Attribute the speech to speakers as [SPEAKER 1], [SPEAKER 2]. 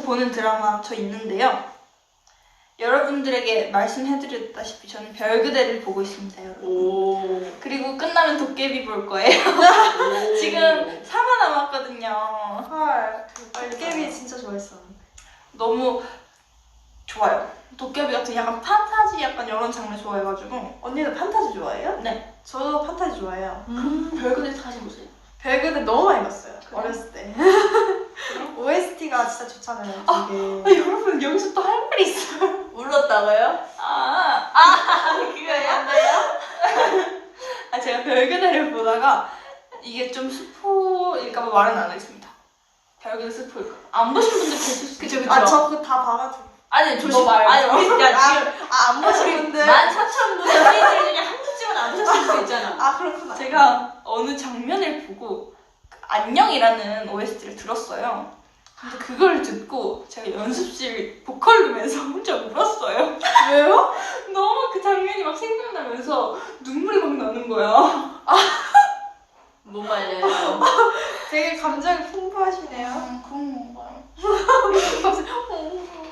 [SPEAKER 1] 보는 드라마 저 있는데요. 여러분들에게 말씀해드렸다시피 저는 별그대를 보고 있습니다, 여러분.
[SPEAKER 2] 오.
[SPEAKER 1] 그리고 끝나면 도깨비 볼 거예요. 지금 4화 남았거든요.
[SPEAKER 3] 헐.
[SPEAKER 2] 빨리
[SPEAKER 3] 도깨비
[SPEAKER 2] 가요.
[SPEAKER 3] 진짜 좋아했었는데.
[SPEAKER 1] 너무 좋아요. 도깨비 같은 약간 판타지 약간 이런 장르 좋아해가지고.
[SPEAKER 3] 언니는 판타지 좋아해요?
[SPEAKER 1] 네.
[SPEAKER 3] 저도 판타지 좋아해요.
[SPEAKER 1] 별그대 다시 보세요.
[SPEAKER 3] 별그대 너무 많이 봤어요.
[SPEAKER 1] 그래요?
[SPEAKER 3] 어렸을 때. OST가 진짜 좋잖아요. 되게.
[SPEAKER 1] 아, 여러분 여기서 또 할 말이 있어요.
[SPEAKER 2] 울렀다고요?
[SPEAKER 1] 그거예요? 제가 별그대를 보다가 이게 좀 스포일까봐 말은 안 하겠습니다. 별그대 스포일까? 안 보신 분들 계실 수 있죠.
[SPEAKER 3] 아, 저 그거 다 봐가지고.
[SPEAKER 2] 아니 조심.
[SPEAKER 1] 말고.
[SPEAKER 2] 아니 우리 야 지금
[SPEAKER 3] 안 보신 분들.
[SPEAKER 2] 14,000분 사이들 중에 한 분쯤은 안 보셨을 수도 있잖아.
[SPEAKER 3] 아, 그렇구나.
[SPEAKER 1] 제가 어느 장면을 보고 안녕이라는 OST를 들었어요. 근데 그걸 듣고 제가 연습실 보컬룸에서 혼자 울었어요.
[SPEAKER 3] 왜요?
[SPEAKER 1] 너무 그 장면이 막 생각나면서 눈물이 막 나는 거야.
[SPEAKER 2] 못 말려요.
[SPEAKER 3] 되게 감정이 풍부하시네요.
[SPEAKER 1] 그런 건가요?
[SPEAKER 3] 갑자기